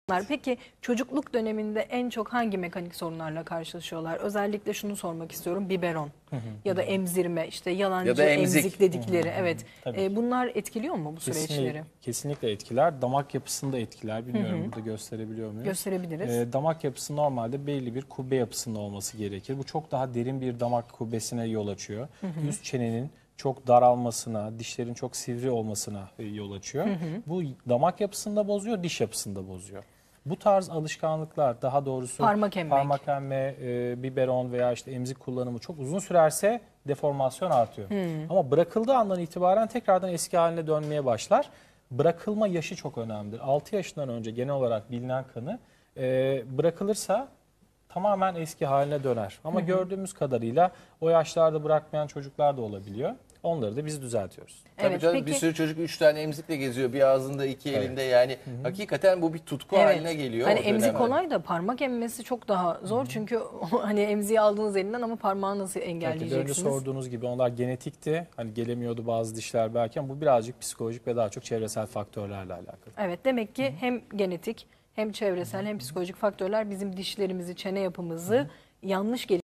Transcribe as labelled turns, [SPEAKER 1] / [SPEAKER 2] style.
[SPEAKER 1] Peki çocukluk döneminde en çok hangi mekanik sorunlarla karşılaşıyorlar? Özellikle şunu sormak istiyorum. Biberon ya da emzirme, işte yalancı
[SPEAKER 2] Ya da
[SPEAKER 1] emzik dedikleri. Evet.
[SPEAKER 2] Tabii.
[SPEAKER 1] Bunlar etkiliyor mu bu süreçleri?
[SPEAKER 3] Kesinlikle etkiler. Damak yapısını da etkiler. Bilmiyorum burada gösterebiliyor muyuz?
[SPEAKER 1] Gösterebiliriz.
[SPEAKER 3] Damak yapısı normalde belli bir kubbe yapısında olması gerekir. Bu çok daha derin bir damak kubbesine yol açıyor. Üst çenenin çok daralmasına, dişlerin çok sivri olmasına yol açıyor. Bu damak yapısını da bozuyor, diş yapısını da bozuyor. Bu tarz alışkanlıklar, daha doğrusu
[SPEAKER 1] Parmak
[SPEAKER 3] emme, biberon veya işte emzik kullanımı çok uzun sürerse deformasyon artıyor. Ama bırakıldığı andan itibaren tekrardan eski haline dönmeye başlar. Bırakılma yaşı çok önemlidir. 6 yaşından önce genel olarak bilinen kanı bırakılırsa tamamen eski haline döner. Ama gördüğümüz kadarıyla o yaşlarda bırakmayan çocuklar da olabiliyor. Onları da biz düzeltiyoruz.
[SPEAKER 2] Tabii
[SPEAKER 1] Evet,
[SPEAKER 2] canım,
[SPEAKER 1] peki-
[SPEAKER 2] bir sürü çocuk 3 tane emzikle geziyor. Bir ağzında, iki elinde, yani hakikaten bu bir tutku haline geliyor.
[SPEAKER 1] Hani
[SPEAKER 2] o
[SPEAKER 1] emzik
[SPEAKER 2] dönemde.
[SPEAKER 1] kolay da parmak emmesi çok daha zor. Çünkü hani emziği aldığınız elinden ama parmağı nasıl
[SPEAKER 3] Belki de önce
[SPEAKER 1] engelleyeceksiniz?
[SPEAKER 3] sorduğunuz gibi onlar genetikti. Hani gelemiyordu bazı dişler belki ama bu birazcık psikolojik ve daha çok çevresel faktörlerle alakalı.
[SPEAKER 1] Evet, demek ki hem genetik hem çevresel hem psikolojik faktörler bizim dişlerimizi, çene yapımızı yanlış